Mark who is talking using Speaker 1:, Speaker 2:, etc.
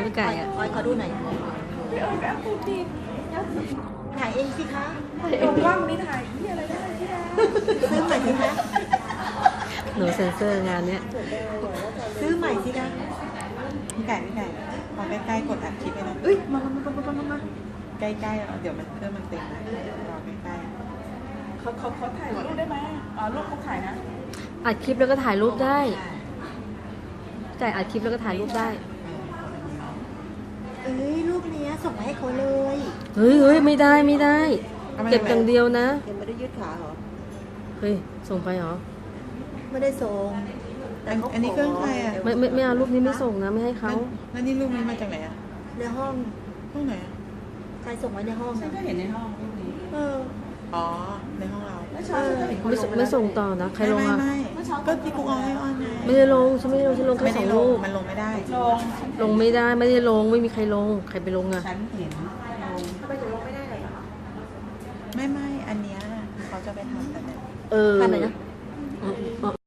Speaker 1: พี่ไก่อะ
Speaker 2: ขอดูหน่อยถ่ายเองสิคะ
Speaker 3: ลงว่างนี้ถ่ายที่อะไรได้ที่ได้
Speaker 2: ซื้อใหม่สิคะ
Speaker 1: หนูเซ็นเซอร์งานเนี้ย
Speaker 2: ซื้อใหม่สิคะ
Speaker 4: พี่ไก่พอใกล้ๆกดอัดคลิปไปนะ
Speaker 2: เอ้ยมา
Speaker 4: ใกล้ๆเดี๋ยวมันเครื่องมันเต็มนะรอใกล้
Speaker 3: เขาถ่ายรูปได้ไหมรูปเขาถ่ายนะ
Speaker 1: อัดคลิปแล้วก็ถ่ายรูปได้ไก่อัดคลิปแล้วก็ถ่ายรูปได้
Speaker 2: เอ้ยรูปเนี้ยส่งมาให้เขาเลย
Speaker 1: เฮ้ยไม่ได้ เก็บอย่างเดียวนะ
Speaker 2: ยังไม่ได้ยืดขาเหรอ
Speaker 1: เฮ้ยส่งไปเหรอ
Speaker 2: ไม่ได้ส่ง
Speaker 4: อันนี้เครื่องใครอ่ะ
Speaker 1: ไม่เอารูปนี้ไม่ส่งนะไม่ให้เขา
Speaker 4: แล้วนี่รูปนี้มาจากไหนอ่ะ
Speaker 2: ในห้อง
Speaker 4: ห้องไหนอ่ะ
Speaker 2: ใครส่งไว้ในห้อง
Speaker 3: ฉัน
Speaker 2: นะ
Speaker 3: ก็เห็นในห้องรูปนี้
Speaker 2: เออ
Speaker 4: อ๋อในห้องเรา
Speaker 3: เมื่อเช้าฉันก็เห็นคนลง
Speaker 1: ไม่ส่งต่อนะใครลงอ่ะ
Speaker 4: ไม่ก็ที่กูเอาให้ออนไง
Speaker 1: ไม่ได้ลงฉันไม่ได้ลงฉันลงแค่
Speaker 4: ไม่
Speaker 1: ส
Speaker 4: ได้
Speaker 1: อง
Speaker 4: ล
Speaker 1: รู
Speaker 4: ง
Speaker 1: ป
Speaker 4: มันลงไม่ได้
Speaker 3: ลง
Speaker 1: ลงไม่ได้ไม่ได้ลงไม่มีใครลงใครไปลงอ่ะ
Speaker 3: ฉันเห็นลง
Speaker 2: ทำไมถึงลงไม่ได้เลยเหรอ
Speaker 4: ไม่อันเนี้ยเขาจะไปทำแต่เนี่ย
Speaker 1: เออ
Speaker 2: ทำไหนนะ
Speaker 1: อ๋อ